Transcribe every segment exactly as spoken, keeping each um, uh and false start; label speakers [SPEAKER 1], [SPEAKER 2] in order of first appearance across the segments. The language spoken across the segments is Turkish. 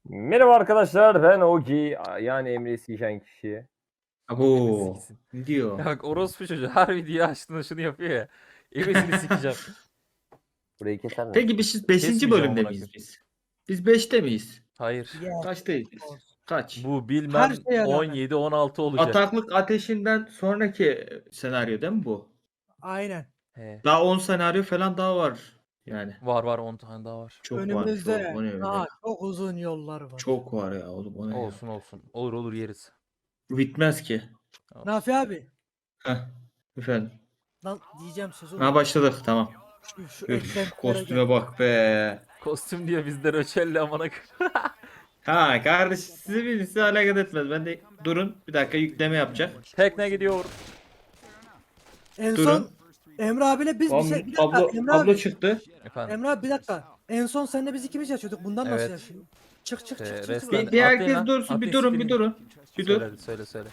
[SPEAKER 1] Merhaba arkadaşlar, ben Ogi, yani Emre'yi siken kişi.
[SPEAKER 2] Abo.
[SPEAKER 3] Siksin.
[SPEAKER 2] Ne diyor?
[SPEAKER 3] Ya bak orospu çocuğu her video açtığında şunu yapıyor ya. Ebesini sikeceğim.
[SPEAKER 1] Burayı keser mi?
[SPEAKER 2] Peki biz beşinci
[SPEAKER 3] Kesmeyeceğim
[SPEAKER 2] bölümde
[SPEAKER 3] amına
[SPEAKER 2] miyiz
[SPEAKER 3] koyayım.
[SPEAKER 2] biz? Biz beşte miyiz?
[SPEAKER 3] Hayır.
[SPEAKER 4] Ya,
[SPEAKER 2] Kaçtayız biz?
[SPEAKER 4] olsun.
[SPEAKER 2] Kaç?
[SPEAKER 3] Bu
[SPEAKER 4] Her
[SPEAKER 3] bilmem
[SPEAKER 4] şeye rağmen.
[SPEAKER 3] on yedi on altı olacak.
[SPEAKER 2] Ataklık ateşinden sonraki senaryo değil mi bu?
[SPEAKER 4] Aynen.
[SPEAKER 3] He.
[SPEAKER 2] Daha on senaryo falan daha var. Yani.
[SPEAKER 3] Var var on tane daha var.
[SPEAKER 2] Çok var.
[SPEAKER 4] Önümüzde
[SPEAKER 2] Çok, o ne öyle?
[SPEAKER 4] daha çok uzun yollar var.
[SPEAKER 2] Çok var ya oğlum o ne ya?
[SPEAKER 3] Olsun olsun. Olur olur yeriz.
[SPEAKER 2] Bitmez ki.
[SPEAKER 3] Olsun.
[SPEAKER 4] Nafi abi.
[SPEAKER 2] Heh. Efendim.
[SPEAKER 4] Lan diyeceğim sözü.
[SPEAKER 2] Ha başladık tamam.
[SPEAKER 4] Şu, şu
[SPEAKER 2] Üf,
[SPEAKER 4] eklentilere
[SPEAKER 2] kostüme
[SPEAKER 4] gel.
[SPEAKER 2] bak be.
[SPEAKER 3] Kostüm diye bizde röçelli amına koyayım.
[SPEAKER 2] Ha kardeş sizi birisi alakadar etmez. Ben de durun bir dakika yükleme yapacak.
[SPEAKER 3] Tekne gidiyor.
[SPEAKER 4] En
[SPEAKER 2] Durun.
[SPEAKER 4] son Emre abiyle biz bir şey... Bir dakika
[SPEAKER 2] Ablo,
[SPEAKER 4] Emre
[SPEAKER 2] ablo
[SPEAKER 4] abi.
[SPEAKER 2] çıktı.
[SPEAKER 3] Efendim.
[SPEAKER 4] Emre abi bir dakika. En son seninle biz ikimiz yaşıyorduk. Bundan nasıl
[SPEAKER 3] Evet.
[SPEAKER 4] yaşıyor? Çık çık
[SPEAKER 3] Ee,
[SPEAKER 4] çık çık.
[SPEAKER 3] resmen-
[SPEAKER 4] çık.
[SPEAKER 2] Bir, bir
[SPEAKER 3] Atlayın
[SPEAKER 2] herkes
[SPEAKER 3] lan.
[SPEAKER 2] dursun bir
[SPEAKER 3] Atlayın,
[SPEAKER 2] durun bir
[SPEAKER 3] siktirin.
[SPEAKER 2] durun. Bir dur.
[SPEAKER 3] Söyle söyle söyle.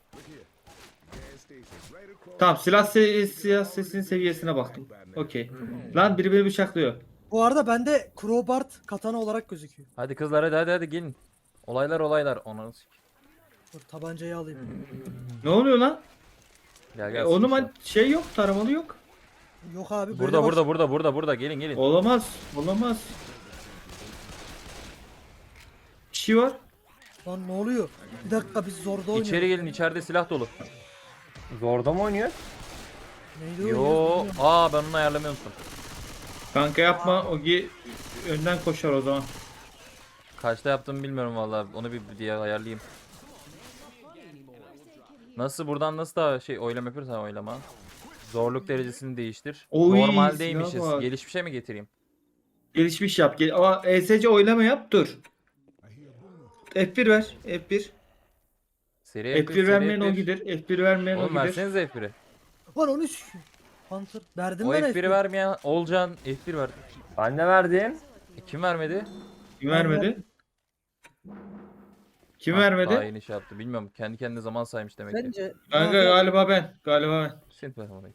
[SPEAKER 2] Tamam silah se silah sesinin seviyesine baktım. Okey. Lan biri beni bıçaklıyor.
[SPEAKER 4] Bu arada bende Crowbart katana olarak gözüküyor.
[SPEAKER 3] Hadi kızlar hadi hadi hadi gelin. Olaylar olaylar. Onu
[SPEAKER 4] Dur tabancayı alayım.
[SPEAKER 2] Ne oluyor lan?
[SPEAKER 3] gel
[SPEAKER 2] E,
[SPEAKER 3] gel.
[SPEAKER 2] onun
[SPEAKER 3] sikeceğim.
[SPEAKER 2] ben- şey yok, taramalı yok.
[SPEAKER 4] Yok abi böyle
[SPEAKER 3] Burada
[SPEAKER 4] baş-
[SPEAKER 3] burada burada burada burada gelin gelin.
[SPEAKER 2] Olamaz, olamaz. Bir şey var.
[SPEAKER 4] Lan ne oluyor? Bir dakika biz zorda oynuyoruz.
[SPEAKER 3] İçeri gelin içeride silah dolu.
[SPEAKER 1] Zorda mı oynuyor?
[SPEAKER 4] Neydi
[SPEAKER 3] Yo,
[SPEAKER 4] oynuyoruz?
[SPEAKER 3] aa ben onu ayarlamayı unuttum.
[SPEAKER 2] Kanka yapma, Ogi önden koşar o zaman.
[SPEAKER 3] Kaçta yaptığımı bilmiyorum vallahi. Onu bir, bir diye ayarlayayım. Nasıl buradan nasıl daha şey oylama yapıyoruz ha oylama. Zorluk derecesini değiştir.
[SPEAKER 2] Oy,
[SPEAKER 3] Normaldeymişiz.
[SPEAKER 2] silah var.
[SPEAKER 3] Gelişmişe mi getireyim?
[SPEAKER 2] Gelişmiş yap. Gel ama E S C oylama yap, dur. F bir ver, F bir.
[SPEAKER 3] Seri
[SPEAKER 2] F bir vermeyen o gider, F bir vermeyen o
[SPEAKER 3] Oğlum
[SPEAKER 2] gider.
[SPEAKER 3] versenize F bir'i.
[SPEAKER 4] Lan onu s- Hunter. Verdim
[SPEAKER 3] O
[SPEAKER 4] ben
[SPEAKER 3] F bir'i
[SPEAKER 4] F bir.
[SPEAKER 3] vermeyen Olcan F bir ver.
[SPEAKER 1] Ben de verdim.
[SPEAKER 3] E, kim vermedi?
[SPEAKER 2] Kim vermedi? Kim
[SPEAKER 3] Ah,
[SPEAKER 2] vermedi?
[SPEAKER 3] Daha yeni şey yaptı. Bilmiyorum. Kendi kendine zaman saymış demek ki.
[SPEAKER 4] Bence
[SPEAKER 2] Kanka
[SPEAKER 4] Nafi-
[SPEAKER 2] galiba ben, galiba ben.
[SPEAKER 3] Sint ver orayı.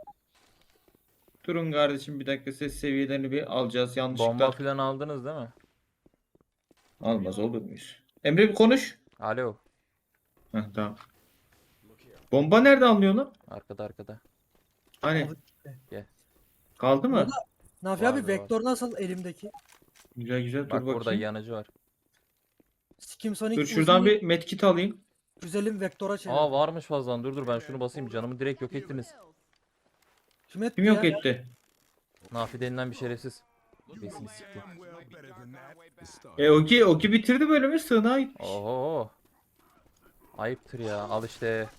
[SPEAKER 2] Durun kardeşim bir dakika ses seviyelerini bir alacağız yanlışlıkla.
[SPEAKER 3] Bomba falan aldınız değil mi?
[SPEAKER 2] Almaz olur muyuz? Emre bir konuş.
[SPEAKER 3] Alo.
[SPEAKER 2] Heh, tamam. Bomba nerede alınıyor lan?
[SPEAKER 3] Arkada arkada.
[SPEAKER 2] Hani?
[SPEAKER 3] Gel.
[SPEAKER 2] Kaldı mı?
[SPEAKER 4] Orada- Nafi
[SPEAKER 3] Var,
[SPEAKER 4] abi
[SPEAKER 3] var.
[SPEAKER 4] vektör nasıl elimdeki?
[SPEAKER 2] Güzel güzel dur
[SPEAKER 3] Bak burada
[SPEAKER 2] bakayım.
[SPEAKER 3] yanıcı var.
[SPEAKER 4] Skim Sonic
[SPEAKER 2] Dur şuradan
[SPEAKER 4] uzun
[SPEAKER 2] bir medkit alayım.
[SPEAKER 4] güzelim vektora çevir.
[SPEAKER 3] Aa varmış fazladan. Dur dur ben şunu basayım. Canımı direkt yok ettiniz.
[SPEAKER 4] Kim etti
[SPEAKER 2] Kim yok
[SPEAKER 4] ya?
[SPEAKER 2] etti?
[SPEAKER 3] Nafi denilen bir şerefsiz. Besini sikti.
[SPEAKER 2] E Oki, Oki bitirdi bölümü sığınağa gitmiş.
[SPEAKER 3] Oho. Ayıptır ya. Al işte.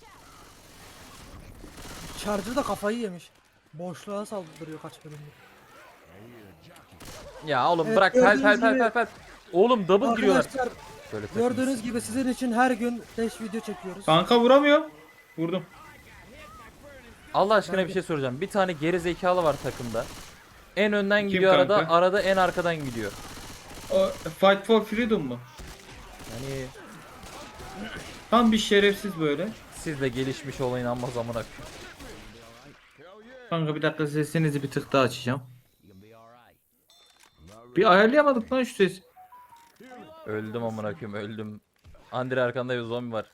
[SPEAKER 4] Charger da kafayı yemiş. Boşluğa saldırıyor kaç bölümdür.
[SPEAKER 3] Ya oğlum
[SPEAKER 4] Evet,
[SPEAKER 3] bırak fel fel
[SPEAKER 4] gördüğünüz
[SPEAKER 3] fel
[SPEAKER 4] gibi-
[SPEAKER 3] fel fel. Oğlum double giriyorlar.
[SPEAKER 4] Arkadaşlar
[SPEAKER 3] Böyle takılırız.
[SPEAKER 4] gördüğünüz gibi sizin için her gün beş video çekiyoruz.
[SPEAKER 2] Kanka vuramıyor. Vurdum.
[SPEAKER 3] Allah aşkına bir şey soracağım. Bir tane geri zekalı var takımda. En önden
[SPEAKER 2] Kim
[SPEAKER 3] gidiyor arada,
[SPEAKER 2] kanka?
[SPEAKER 3] arada en arkadan gidiyor.
[SPEAKER 2] O, Fight for Freedom mu?
[SPEAKER 3] Yani
[SPEAKER 2] Tam bir şerefsiz böyle.
[SPEAKER 3] siz de gelişmiş olayın amma zamana.
[SPEAKER 2] Kanka bir dakika sesinizi bir tık daha açacağım. Bir ayarlayamadık lan şu ses.
[SPEAKER 3] Öldüm amına koyayım öldüm. Andre arkanda bir zombi var.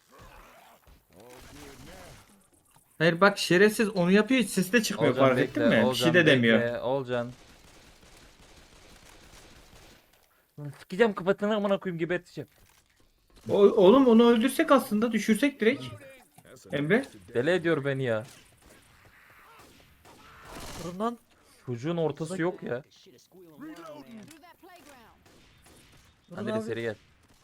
[SPEAKER 2] Hayır bak şerefsiz onu yapıyor hiç ses de çıkmıyor
[SPEAKER 3] Olcan
[SPEAKER 2] fark
[SPEAKER 3] bekle,
[SPEAKER 2] ettin mi? Bir
[SPEAKER 3] Olcan
[SPEAKER 2] şey de demiyor.
[SPEAKER 3] bekle, Olcan. Lan sikeceğim kapatını amına koyayım geberteceğim.
[SPEAKER 2] O, oğlum onu öldürsek aslında düşürsek direkt. Emre.
[SPEAKER 3] Deli ediyor beni ya.
[SPEAKER 4] Durun lan.
[SPEAKER 3] Çocuğun ortası yok ya.
[SPEAKER 4] Durun
[SPEAKER 3] Andre
[SPEAKER 4] abi.
[SPEAKER 3] seri gel.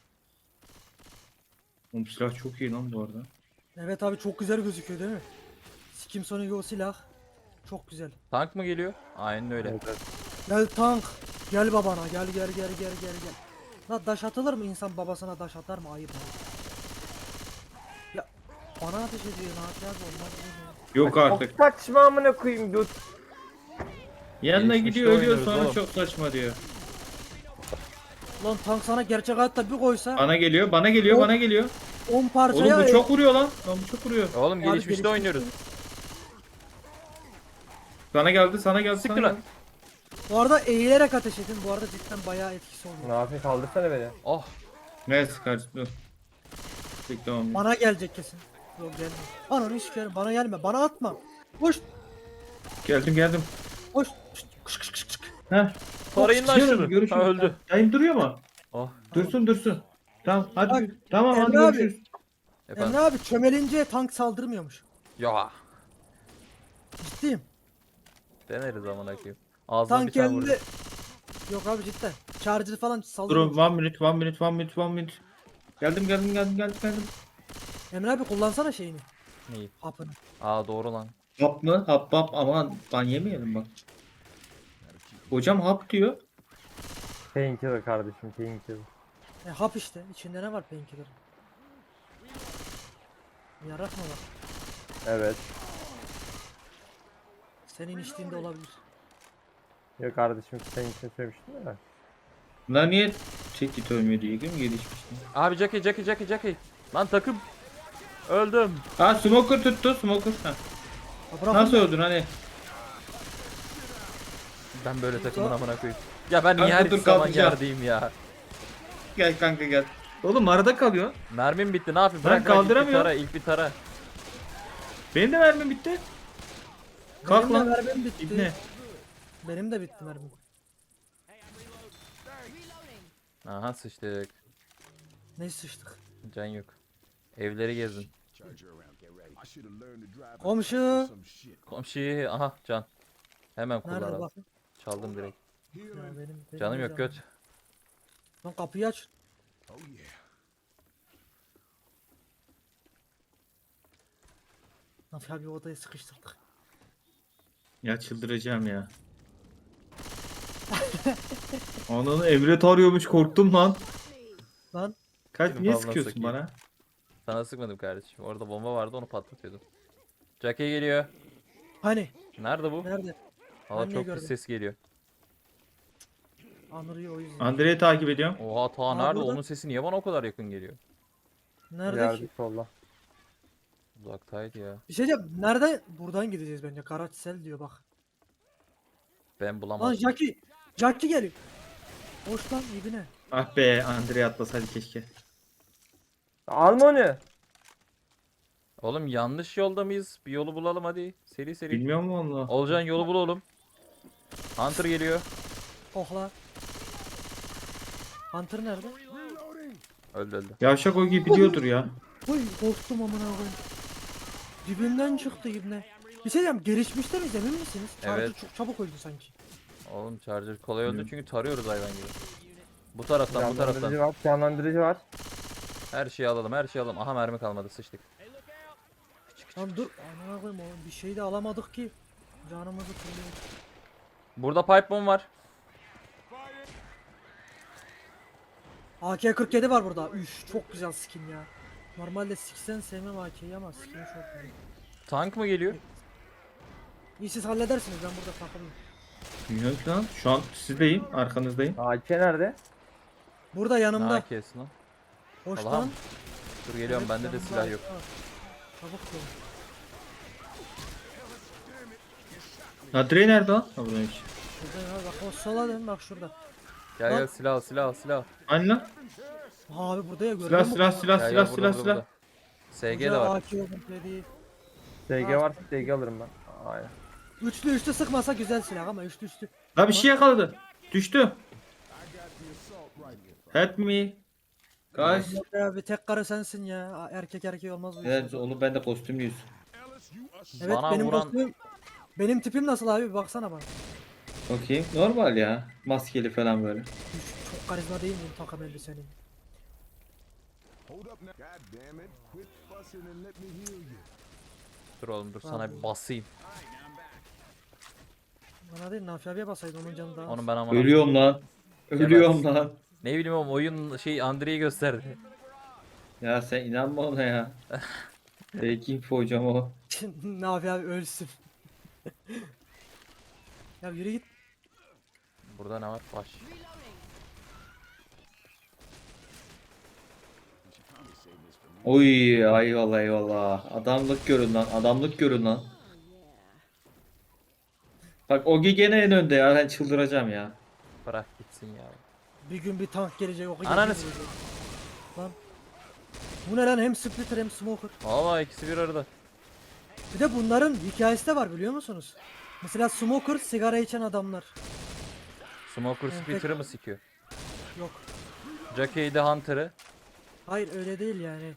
[SPEAKER 2] Oğlum silah çok iyi lan bu arada.
[SPEAKER 4] Evet abi çok güzel gözüküyor değil mi? Skim Sonic o silah. Çok güzel.
[SPEAKER 3] Tank mı geliyor? Aynen öyle.
[SPEAKER 4] Gel tank. Gel babana gel gel gel gel gel gel. La daş atılır mı insan babasına daş atar mı? Ayıp ayıp. Ya bana ateş ediyor ne yapacağız olmaz mı?
[SPEAKER 2] Yok artık.
[SPEAKER 1] Çok saçma amına koyayım göt.
[SPEAKER 2] Yanına
[SPEAKER 3] Gelişmişte
[SPEAKER 2] gidiyor ölüyor
[SPEAKER 3] oynuyoruz
[SPEAKER 2] sonra
[SPEAKER 3] oğlum.
[SPEAKER 2] çok saçma diyor.
[SPEAKER 4] Lan tank sana gerçek hayatta bir koysa
[SPEAKER 2] Bana geliyor bana geliyor
[SPEAKER 4] O-
[SPEAKER 2] bana geliyor.
[SPEAKER 4] on parçaya
[SPEAKER 2] Oğlum bu çok vuruyor lan. Lan bu çok vuruyor.
[SPEAKER 3] Oğlum
[SPEAKER 4] Abi
[SPEAKER 3] gelişmişte
[SPEAKER 4] gelişmiş-
[SPEAKER 3] oynuyoruz.
[SPEAKER 2] Sana geldi sana geldi
[SPEAKER 3] Siktir
[SPEAKER 2] sana
[SPEAKER 3] lan.
[SPEAKER 2] geldi.
[SPEAKER 4] Bu arada eğilerek ateş edin. Bu arada cidden bayağı etkisi oluyor.
[SPEAKER 1] Ne yapayım, kaldırsana beni.
[SPEAKER 3] Oh.
[SPEAKER 2] Neyse kardeşim dur. Bekle onu.
[SPEAKER 4] Bana gelecek kesin. Yok gelme. Ananı sikerim. Bana gelme. Bana atma. Koş.
[SPEAKER 2] Geldim geldim.
[SPEAKER 4] Koş. Kış kış kış kış.
[SPEAKER 2] Heh.
[SPEAKER 3] Tarayın lan
[SPEAKER 2] Çıkıyorum,
[SPEAKER 3] şunu.
[SPEAKER 2] görüşürüz.
[SPEAKER 3] Ha, öldü.
[SPEAKER 2] Yayın duruyor mu?
[SPEAKER 3] Oh.
[SPEAKER 2] Dursun dursun. Tamam hadi.
[SPEAKER 4] Bak,
[SPEAKER 2] Tamam hadi
[SPEAKER 4] Emre abi.
[SPEAKER 2] görüşürüz.
[SPEAKER 3] Efendim.
[SPEAKER 4] Emre abi çömelince tank saldırmıyormuş.
[SPEAKER 3] Ya.
[SPEAKER 4] Ciddiyim.
[SPEAKER 3] Deneriz amına koyayım. Ağzına bir
[SPEAKER 4] Tank
[SPEAKER 3] tane vurdu.
[SPEAKER 4] elinde. Yok abi cidden. Charger falan
[SPEAKER 2] Durun
[SPEAKER 4] saldırmıyor.
[SPEAKER 2] one minute one minute one minute one minute. Geldim geldim geldim geldim geldim.
[SPEAKER 4] Emre abi kullansana şeyini.
[SPEAKER 3] Neyi?
[SPEAKER 4] Hapını.
[SPEAKER 3] Aa doğru lan.
[SPEAKER 2] Hap mı? Hap hap aman ban yemeyelim bak. Hocam hap diyor.
[SPEAKER 1] Painkiller kardeşim, painkiller.
[SPEAKER 4] E hap işte. İçinde ne var painkiller? Yarak mı var?
[SPEAKER 1] Evet.
[SPEAKER 4] Senin içtiğinde olabilir.
[SPEAKER 1] Yok kardeşim, senin için söylemiştim ya.
[SPEAKER 2] Bunlar niye tek git ölmüyor diye değil mi gelişmişti?
[SPEAKER 3] Abi Jackie Jackie Jackie Jackie. Lan takım. Öldüm.
[SPEAKER 2] Ha smoker tuttu smoker. Ha.
[SPEAKER 4] Ha, bırak
[SPEAKER 2] Nasıl
[SPEAKER 4] onu.
[SPEAKER 2] öldün hani?
[SPEAKER 3] Ben böyle takımın amına koyayım. Ya ben niye
[SPEAKER 2] Kanka
[SPEAKER 3] her
[SPEAKER 2] dur,
[SPEAKER 3] zaman
[SPEAKER 2] kalkacağım.
[SPEAKER 3] yerdeyim ya.
[SPEAKER 2] Gel kanka gel. Oğlum arada kalıyor.
[SPEAKER 3] Mermim bitti ne yapayım?
[SPEAKER 2] Ben
[SPEAKER 3] Bırak bırak ilk bir
[SPEAKER 2] kaldıramıyorum.
[SPEAKER 3] tara ilk bir tara.
[SPEAKER 2] Benim de mermim bitti. Kalk
[SPEAKER 4] Benim de
[SPEAKER 2] lan.
[SPEAKER 4] mermim bitti.
[SPEAKER 2] İbne.
[SPEAKER 4] Benim de bitti mermim.
[SPEAKER 3] Aha sıçtık.
[SPEAKER 4] Ne sıçtık.
[SPEAKER 3] Can yok. Evleri gezin.
[SPEAKER 4] Komşu.
[SPEAKER 3] Komşuyu aha can. Hemen
[SPEAKER 4] Nerede
[SPEAKER 3] kullan.
[SPEAKER 4] bak?
[SPEAKER 3] Çaldım direkt.
[SPEAKER 4] Ya benim, benim
[SPEAKER 3] Canım
[SPEAKER 4] de
[SPEAKER 3] yok göt.
[SPEAKER 4] Lan kapıyı aç. Nafi abi odaya sıkıştırdık.
[SPEAKER 2] Ya çıldıracağım ya. Ananı Emre arıyormuş korktum lan.
[SPEAKER 4] Lan
[SPEAKER 2] Kaç
[SPEAKER 3] Benim
[SPEAKER 2] niye
[SPEAKER 3] babama
[SPEAKER 2] sıkıyorsun
[SPEAKER 3] sakayım.
[SPEAKER 2] bana?
[SPEAKER 3] Sana sıkmadım kardeşim. Orada bomba vardı onu patlatıyordum. Jackie geliyor.
[SPEAKER 4] hani
[SPEAKER 3] Nerede bu?
[SPEAKER 4] nerede?
[SPEAKER 3] Valla
[SPEAKER 4] Ben niye
[SPEAKER 3] çok
[SPEAKER 4] gördüm?
[SPEAKER 3] pis ses geliyor.
[SPEAKER 4] Anırıyor o yüzden.
[SPEAKER 2] Andre'yi takip ediyorum.
[SPEAKER 3] Oha ta
[SPEAKER 4] Aa,
[SPEAKER 3] nerede?
[SPEAKER 4] burada.
[SPEAKER 3] Onun sesi niye bana o kadar yakın geliyor?
[SPEAKER 4] Nerede
[SPEAKER 1] Yerde
[SPEAKER 4] ki?
[SPEAKER 1] solla.
[SPEAKER 3] Uzaktaydı ya.
[SPEAKER 4] Bir şey diyeceğim. Nerede? Buradan gideceğiz bence. Karaçsel diyor bak.
[SPEAKER 3] Ben
[SPEAKER 4] Lan
[SPEAKER 3] bulamadım.
[SPEAKER 4] Jackie. Jackie geliyor. Hoş lan ibine.
[SPEAKER 2] Ah be Andre atlasaydı keşke.
[SPEAKER 1] Alma onu.
[SPEAKER 3] Oğlum yanlış yolda mıyız? Bir yolu bulalım hadi. Seri seri.
[SPEAKER 2] Bilmiyor mu onu?
[SPEAKER 3] Olcan yolu bul oğlum. Hunter geliyor.
[SPEAKER 4] Ohla. Hunter nerede?
[SPEAKER 3] Öldü öldü.
[SPEAKER 2] Yavşak o gibi biliyordur ya.
[SPEAKER 4] Oy korktum amına koyayım. Dibimden çıktı ibne. Bir şey diyeceğim. Gelişmişte miyiz emin misiniz? Charger
[SPEAKER 3] Evet.
[SPEAKER 4] çok çabuk öldü sanki.
[SPEAKER 3] Oğlum charger kolay öldü
[SPEAKER 2] Hı.
[SPEAKER 3] çünkü tarıyoruz hayvan gibi. Bu taraftan bu
[SPEAKER 1] Canlandırıcı
[SPEAKER 3] taraftan.
[SPEAKER 1] var, canlandırıcı var.
[SPEAKER 3] Her şeyi alalım her şeyi alalım. Aha mermi kalmadı sıçtık.
[SPEAKER 4] Lan dur. Amına koyayım oğlum. Bir şey de alamadık ki. Canımızı kırıyor.
[SPEAKER 3] Burada pipe bomb var.
[SPEAKER 4] A K kırk yedi var burada. Üf çok güzel skin ya. Normalde seksen sevmem A K'yi ama skin çok güzel.
[SPEAKER 3] Tank mı geliyor?
[SPEAKER 4] İyi siz halledersiniz ben burada takılayım.
[SPEAKER 2] Bilmiyorum ki lan. Şu an sizdeyim. Arkanızdayım.
[SPEAKER 1] A K nerede?
[SPEAKER 4] Burada
[SPEAKER 3] Ne
[SPEAKER 4] yanımda.
[SPEAKER 3] A K'si lan?
[SPEAKER 4] Hoş
[SPEAKER 3] Allah'ım.
[SPEAKER 4] lan.
[SPEAKER 3] Dur geliyorum
[SPEAKER 4] Evet,
[SPEAKER 3] bende de
[SPEAKER 4] yanımda
[SPEAKER 3] silah yok.
[SPEAKER 4] var. Çabuk gelin.
[SPEAKER 2] Andre nerede lan? Ha buradaymış.
[SPEAKER 4] Şurada ya bak o sola dön bak şurada.
[SPEAKER 3] Gel
[SPEAKER 4] Lan.
[SPEAKER 3] gel silah al, silah al, silah. al.
[SPEAKER 2] Hani lan?
[SPEAKER 4] Ha abi burada ya gördün
[SPEAKER 2] Silah
[SPEAKER 4] mü?
[SPEAKER 2] silah silah
[SPEAKER 3] Gel,
[SPEAKER 2] silah
[SPEAKER 3] gel,
[SPEAKER 2] silah
[SPEAKER 3] burada,
[SPEAKER 2] silah.
[SPEAKER 3] burada. S G de var.
[SPEAKER 4] A K komple
[SPEAKER 1] S G varsa S G alırım ben. Aynen.
[SPEAKER 4] Üçlü üçlü sıkmasa güzel silah ama üçlü üçlü.
[SPEAKER 2] La bir şey yakaladı. Düştü. Help me. Guys.
[SPEAKER 4] Yok ya bir tek karı sensin ya. Erkek erkeği olmaz bu
[SPEAKER 2] Evet
[SPEAKER 4] işler.
[SPEAKER 2] onu ben de kostümlüyüz.
[SPEAKER 4] Evet
[SPEAKER 3] Bana
[SPEAKER 4] benim
[SPEAKER 3] vuran-
[SPEAKER 4] kostümüm. Benim tipim nasıl abi bir baksana bana.
[SPEAKER 2] Bakayım. Normal ya. Maskeli falan böyle.
[SPEAKER 4] Üf, çok karizma değil miyim takım elbisenin?
[SPEAKER 3] Dur oğlum dur sana bir basayım.
[SPEAKER 4] Bana değil Nafi abiye basaydı onun canı daha.
[SPEAKER 3] Onu ben ama.
[SPEAKER 2] Ölüyorum lan. Ölüyorum lan.
[SPEAKER 3] Ne bileyim oğlum oyun şey Andre'yi gösterdi.
[SPEAKER 2] Ya sen inanma ona ya. Belki info hocam o.
[SPEAKER 4] Nafi abi ölsün. Ya yürü git.
[SPEAKER 3] Burada ne var? Baş.
[SPEAKER 2] Oy eyvallah eyvallah. Adamlık görün lan. Adamlık görün lan. Bak Ogi gene en önde ya. Ben çıldıracağım ya.
[SPEAKER 3] Bırak gitsin ya.
[SPEAKER 4] Bir gün bir tank gelecek o kadar.
[SPEAKER 3] Ananı
[SPEAKER 4] gelecek. Lan. Bu ne lan, hem splitter hem smoker.
[SPEAKER 3] Valla ikisi bir arada.
[SPEAKER 4] Bir de bunların hikayesi de var biliyor musunuz? Mesela smoker sigara içen adamlar.
[SPEAKER 3] Smoker
[SPEAKER 4] Evet,
[SPEAKER 3] Splitter'ı mı sikiyor?
[SPEAKER 4] Yok.
[SPEAKER 3] Jockey de Hunter'ı.
[SPEAKER 4] Hayır öyle değil yani.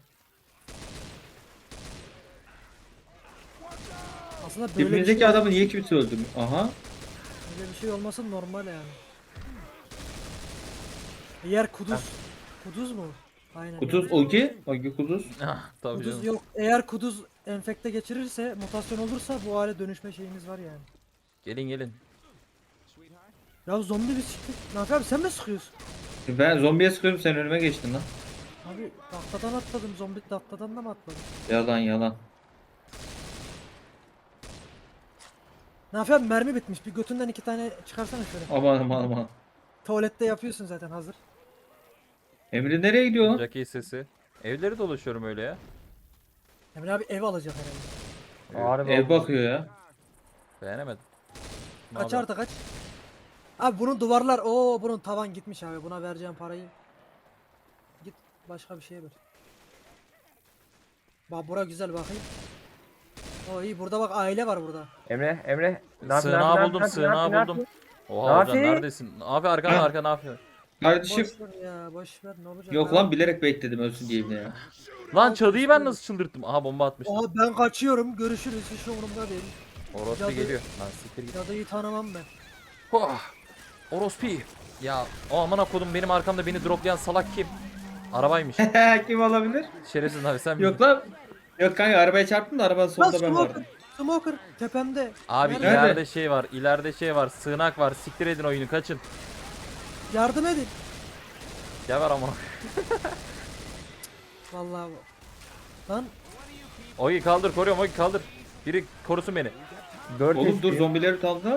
[SPEAKER 4] Aslında böyle bir,
[SPEAKER 2] Dibimizdeki
[SPEAKER 4] şey,
[SPEAKER 2] adamı niye kimse öldürmüyor? Aha.
[SPEAKER 4] böyle bir şey olması normal yani. Eğer kuduz. Kuduz mu? Aynen.
[SPEAKER 2] Kuduz Ogi. Ogi Kuduz.
[SPEAKER 3] Ah, tabii
[SPEAKER 4] Kuduz
[SPEAKER 3] canım.
[SPEAKER 4] yok. Eğer kuduz enfekte geçirirse, mutasyon olursa bu hale dönüşme şeyimiz var yani.
[SPEAKER 3] Gelin gelin.
[SPEAKER 4] Ya zombi bir siktir. Nafi abi sen mi sıkıyorsun?
[SPEAKER 2] Ben zombiye sıkıyorum, sen önüme geçtin lan.
[SPEAKER 4] Abi tahtadan atladım, zombi tahtadan da mı atladım?
[SPEAKER 2] Yalan yalan.
[SPEAKER 4] Nafi abi mermi bitmiş. Bir götünden iki tane çıkarsana şöyle.
[SPEAKER 2] Aman aman aman.
[SPEAKER 4] Tuvalette yapıyorsun zaten hazır.
[SPEAKER 2] Emre nereye gidiyor lan?
[SPEAKER 3] Jockey sesi. Evleri dolaşıyorum öyle ya.
[SPEAKER 4] Emre abi ev alacak herhalde.
[SPEAKER 1] Harbi
[SPEAKER 2] Ev
[SPEAKER 1] oldu.
[SPEAKER 2] bakıyor ya.
[SPEAKER 3] Beğenemedim. Ne
[SPEAKER 4] Kaç
[SPEAKER 3] haber?
[SPEAKER 4] artı kaç? Abi bunun duvarlar, o bunun tavan gitmiş abi. Buna vereceğim parayı. Git başka bir şeye ver. Bak bura güzel bakayım. O iyi, burada bak aile var burada.
[SPEAKER 1] Emre, Emre. Ne yapıyorsun?
[SPEAKER 3] Sığınağı
[SPEAKER 1] Ne
[SPEAKER 3] buldum,
[SPEAKER 1] yapıyorsun? Ne
[SPEAKER 3] sığınağı
[SPEAKER 1] yapıyorsun?
[SPEAKER 3] buldum.
[SPEAKER 1] Ne
[SPEAKER 3] Oha hocam
[SPEAKER 1] Nafi?
[SPEAKER 3] neredesin? Abi arkan
[SPEAKER 2] Ha.
[SPEAKER 3] arka ne yapıyorsun?
[SPEAKER 2] Kardeşim.
[SPEAKER 4] Boş ver ya, boş ver, ne olacak?
[SPEAKER 2] Yok
[SPEAKER 4] ya?
[SPEAKER 2] lan, bilerek bekledim ölsün diye ibne ya.
[SPEAKER 3] Lan çalıyı ben nasıl çıldırttım? Aha bomba atmıştım.
[SPEAKER 4] Oha ben kaçıyorum. Görüşürüz. Hiç umurumda değil.
[SPEAKER 3] Orospu
[SPEAKER 4] Cadı-
[SPEAKER 3] geliyor. Lan siktir git.
[SPEAKER 4] Cadıyı tanımam ben.
[SPEAKER 3] Oh. Orospu. Ya o aman kodum benim arkamda beni droplayan salak kim? Arabaymış.
[SPEAKER 2] Kim olabilir?
[SPEAKER 3] Şerefsiz abi sen
[SPEAKER 2] Yok lan. Yok kanka, arabaya çarptım da arabanın
[SPEAKER 4] Lan
[SPEAKER 2] solunda ben vardım.
[SPEAKER 4] smoker. Smoker tepemde.
[SPEAKER 3] Abi
[SPEAKER 4] Nerede?
[SPEAKER 3] ileride şey var, ileride şey var, sığınak var. Siktir edin oyunu, kaçın.
[SPEAKER 4] Yardım edin.
[SPEAKER 3] Geber ama.
[SPEAKER 4] Vallahi bu- Lan
[SPEAKER 3] Ogi kaldır, koruyorum Ogi kaldır. Biri korusun beni.
[SPEAKER 1] Dört
[SPEAKER 2] Oğlum dur,
[SPEAKER 1] H P.
[SPEAKER 2] zombileri kaldı.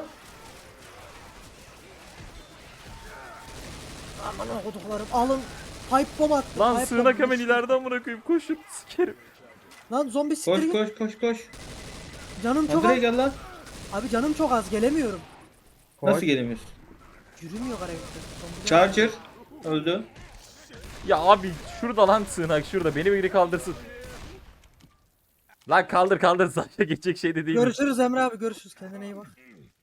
[SPEAKER 4] aman okuduklarım alın. Pipe bomb attım.
[SPEAKER 3] Lan
[SPEAKER 4] pipe
[SPEAKER 3] sığınak
[SPEAKER 4] bomb.
[SPEAKER 3] hemen ileride amına koyayım. Koşun sikerim.
[SPEAKER 4] Lan zombi siktir
[SPEAKER 2] Koş
[SPEAKER 4] git.
[SPEAKER 2] koş koş koş.
[SPEAKER 4] Canım çok
[SPEAKER 2] Andrei
[SPEAKER 4] az.
[SPEAKER 2] gel lan.
[SPEAKER 4] Abi canım çok az, gelemiyorum.
[SPEAKER 1] Koş.
[SPEAKER 2] Nasıl gelemiyorsun?
[SPEAKER 4] Yürümüyor karakter. Zombiler-
[SPEAKER 2] Charger. Öldü.
[SPEAKER 3] Ya abi şurada lan sığınak şurada. Beni biri kaldırsın. Lan kaldır kaldır. Sadece geçecek şey de değil.
[SPEAKER 4] Görüşürüz Emre abi, görüşürüz, kendine iyi bak.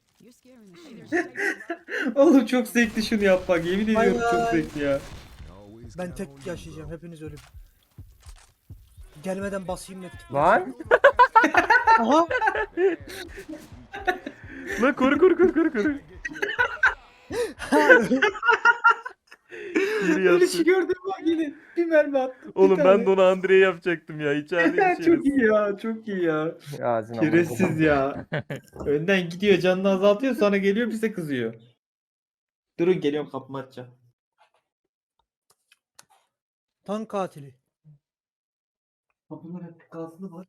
[SPEAKER 2] Oğlum çok zevkli şunu yapmak. Yemin ediyorum
[SPEAKER 4] Bay
[SPEAKER 2] çok
[SPEAKER 4] bay.
[SPEAKER 2] zevkli ya.
[SPEAKER 4] Ben tek yaşayacağım, hepiniz ölün. Gelmeden basayım net.
[SPEAKER 1] Lan.
[SPEAKER 4] Aha.
[SPEAKER 3] Lan koru koru koru koru koru. Geri
[SPEAKER 2] Ölüşü
[SPEAKER 3] yattı.
[SPEAKER 2] gördüm bak yine. Bir mermi attım. bir
[SPEAKER 3] Oğlum
[SPEAKER 2] tane.
[SPEAKER 3] ben de onu Andrei yapacaktım ya. İçeride bir
[SPEAKER 2] Çok iyi ya, çok iyi ya.
[SPEAKER 1] Ağzına
[SPEAKER 2] Şerefsiz ya. Önden gidiyor, canını azaltıyor, sonra geliyor bize kızıyor. Durun geliyorum, kapımı açacağım.
[SPEAKER 4] Tank katili.
[SPEAKER 2] Kapının hep gazlı var.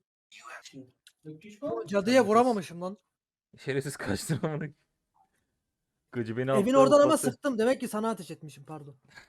[SPEAKER 4] Cadıya vuramamışım lan.
[SPEAKER 3] Şerefsiz kaçtın amına. Gıcı beni
[SPEAKER 4] Evin
[SPEAKER 3] alttan
[SPEAKER 4] oradan ama
[SPEAKER 3] patlattı.
[SPEAKER 4] sıktım. Demek ki sana ateş etmişim, pardon.